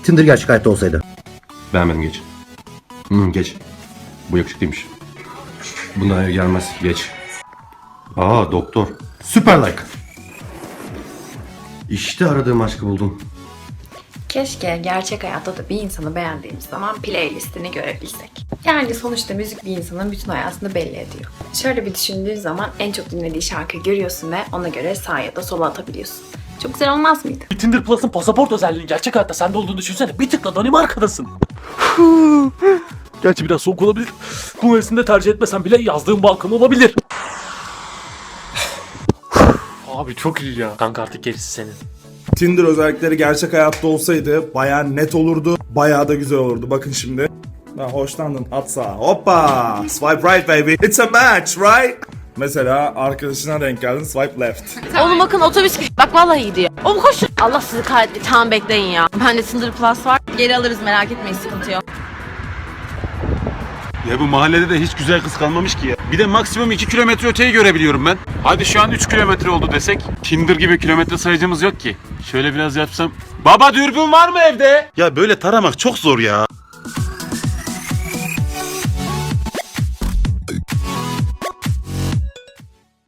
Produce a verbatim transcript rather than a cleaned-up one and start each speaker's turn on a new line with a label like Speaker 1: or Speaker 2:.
Speaker 1: Tinder gerçek hayatta olsaydı.
Speaker 2: Beğenmedim, geç. Hmm, geç. Bu yakışıklıymış. Bundan ev gelmez, geç. Aa, doktor. Süper like. İşte aradığım aşkı buldum.
Speaker 3: Keşke gerçek hayatta da bir insanı beğendiğimiz zaman playlistini görebilsek. Yani sonuçta müzik bir insanın bütün hayatını belli ediyor. Şöyle bir düşündüğün zaman en çok dinlediği şarkıyı görüyorsun ve ona göre sağa ya da sola atabiliyorsun. Çok güzel olmaz mıydı?
Speaker 4: Tinder Plus'ın pasaport özelliğinin gerçek hayatta sende olduğunu düşünsene. Bir tıkla Danimarka'dasın. Gerçi biraz soğuk olabilir. Bu mevsimde tercih etmesen bile yazdığın balkon olabilir. Abi çok iyi ya. Kanka artık gerisi senin.
Speaker 5: Tinder özellikleri gerçek hayatta olsaydı bayağı net olurdu. Bayağı da güzel olurdu. Bakın şimdi. Ben hoşlandın. At sağa. Hoppa. Swipe right baby. It's a match right? Mesela arkadaşına denk geldin. Swipe left.
Speaker 6: Oğlum bakın otobüs gidiyor. Bak vallahi gidiyor. Oğlum koşun. Allah sizi kahretsin. Tamam bekleyin ya. Bende Tinder Plus var. Geri alırız merak etmeyin sıkıntı yok.
Speaker 7: Ya bu mahallede de hiç güzel kız kalmamış ki ya. Bir de maksimum iki kilometre öteyi görebiliyorum ben. Hadi şu an üç kilometre oldu desek. Tinder gibi kilometre sayacımız yok ki. Şöyle biraz yapsam. Baba dürbün var mı evde?
Speaker 8: Ya böyle taramak çok zor ya.